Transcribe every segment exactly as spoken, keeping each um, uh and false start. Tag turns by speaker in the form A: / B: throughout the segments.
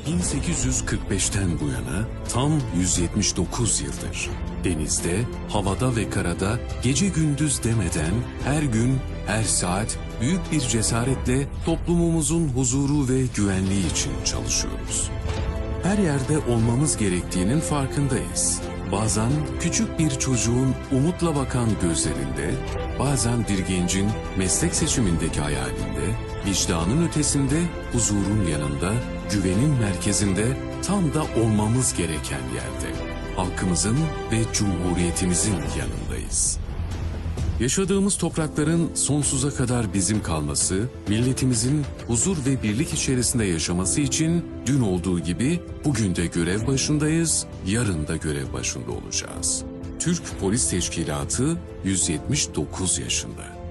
A: bin sekiz yüz kırk beşten bu yana tam yüz yetmiş dokuz yıldır denizde, havada ve karada gece gündüz demeden her gün, her saat büyük bir cesaretle toplumumuzun huzuru ve güvenliği için çalışıyoruz. Her yerde olmamız gerektiğinin farkındayız. Bazen küçük bir çocuğun umutla bakan gözlerinde, bazen bir gencin meslek seçimindeki hayalinde, vicdanın ötesinde, huzurun yanında, güvenin merkezinde, tam da olmamız gereken yerde, halkımızın ve cumhuriyetimizin yanındayız. Yaşadığımız toprakların sonsuza kadar bizim kalması, milletimizin huzur ve birlik içerisinde yaşaması için dün olduğu gibi bugün de görev başındayız, yarın da görev başında olacağız. Türk Polis Teşkilatı yüz yetmiş dokuz yaşında.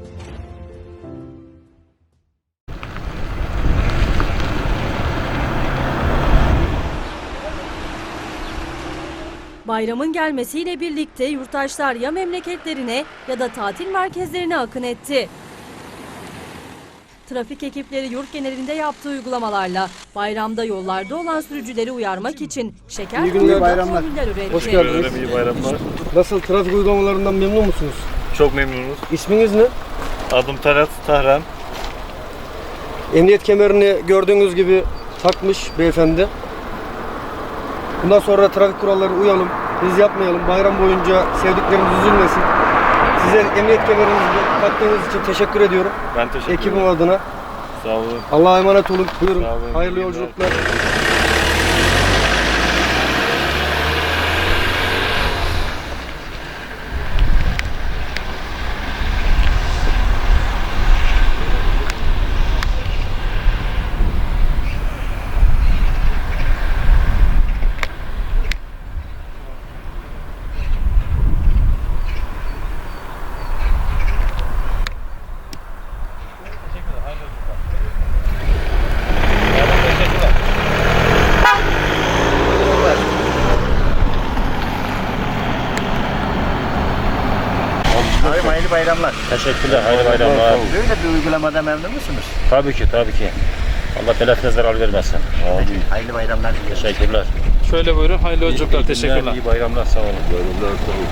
B: Bayramın gelmesiyle birlikte yurttaşlar ya memleketlerine ya da tatil merkezlerine akın etti. Trafik ekipleri yurt genelinde yaptığı uygulamalarla bayramda yollarda olan sürücüleri uyarmak için şeker
C: İyi günler,
B: konuda
C: bayramlar.
B: formüller üretti.
C: Hoş geldiniz.
D: İyi bayramlar.
C: Nasıl, trafik uygulamalarından memnun musunuz?
D: Çok memnunuz.
C: İsminiz ne?
D: Adım Talat Tahran.
C: Emniyet kemerini gördüğünüz gibi takmış beyefendi. Bundan sonra trafik kurallarına uyalım, hız yapmayalım. Bayram boyunca sevdiklerimiz üzülmesin. Size emniyet kemerinizi taktığınız için teşekkür ediyorum.
D: Ben teşekkür ederim.
C: Ekibim adına.
D: Sağ olun.
C: Allah'a emanet olun. Buyurun.
D: Sağ olun.
C: Hayırlı
D: İyi
C: yolculuklar.
E: Abi hayırlı bayramlar.
F: Teşekkürler, hayırlı bayramlar.
E: Böyle bir uygulamada memnun musunuz?
F: Tabii ki, tabii ki. Allah telaffine zarar vermesin. Amin.
E: Hayırlı bayramlar diliyorum.
F: Teşekkürler.
G: Şöyle buyurun, hayırlı yolculuklar,
F: İyi
G: teşekkürler.
F: günler, İyi bayramlar, sağ olun. Bayramlar, sağ olun.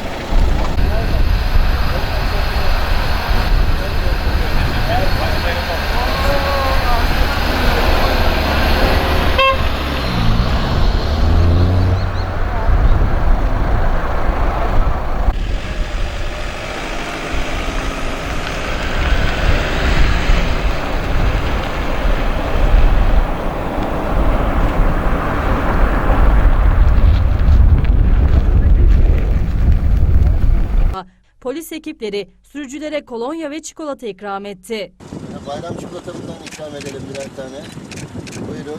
B: Polis ekipleri sürücülere kolonya ve çikolata ikram etti.
H: Bayram çikolatamızdan ikram edelim birer tane. Buyurun.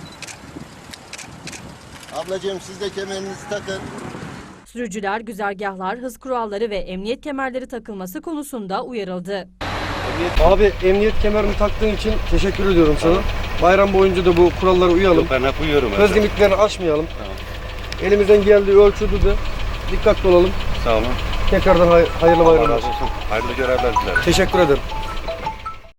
H: Ablacığım siz de kemerinizi takın.
B: Sürücüler güzergahlar, hız kuralları ve emniyet kemerleri takılması konusunda uyarıldı.
C: Abi emniyet kemerini taktığın için teşekkür ediyorum sana. Bayram boyunca da bu kurallara uyalım.
D: Ben hep uyuyorum.
C: Hız limitlerini aşmayalım. Elimizden geldiği ölçüde de dikkatli olalım.
D: Sağ olun.
C: Tekrardan hay- hayırlı
D: Allah
C: bayramlar.
D: razı olsun. Hayırlı görevler dilerim.
C: Teşekkür ederim.